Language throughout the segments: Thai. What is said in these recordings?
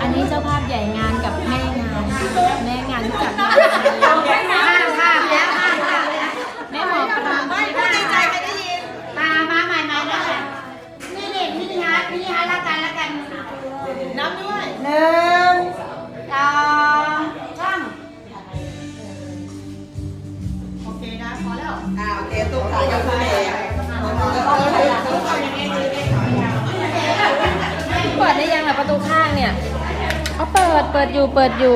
นนี้เจ้าภาพใหญ่งานกับแม่งานรู้จักไหมห้าแล้วแม่หมอปลาไม่พูดในใจใครได้ยินมาใหม่นะนี่เด็กนี่ฮะละกันนับด้วย1 2 3โอเคนะพอแล้วโอเคตุ๊กตายกมือเลยเปิดได้ยังล่ะประตูข้างเนี่ยเขาเปิดอยู่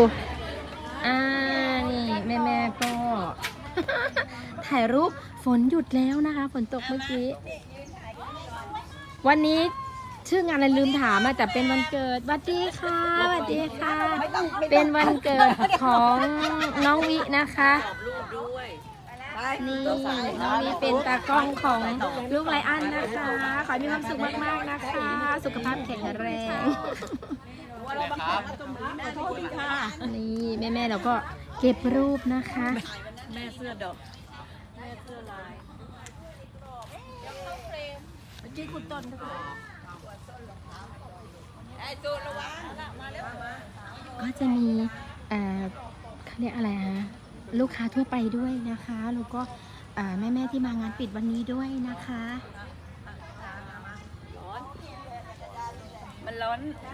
นี่แม่ก็ ถ่ายรูปฝนหยุดแล้วนะคะฝนตกเมื่อกี้วันนี้ชื่องานอะไรลืมถามแต่เป็นวันเกิดสวัสดีค่ะเป็นวันเกิดของน้องวินะคะนี่น้องวิเป็นตากล้องของลูกไลอ้อนนะคะขอให้มีความสุขมากๆนะคะสุขภาพแข็งแรงนี่แม่เราก็เก็บรูปนะคะแม่เสื้อดอกลายเมื่อกี้คุณต้นก็จะมีเขาเรียกอะไรฮะลูกค้าทั่วไปด้วยนะคะแล้วก็แม่ที่มางานปิดวันนี้ด้วยนะคะมันร้อน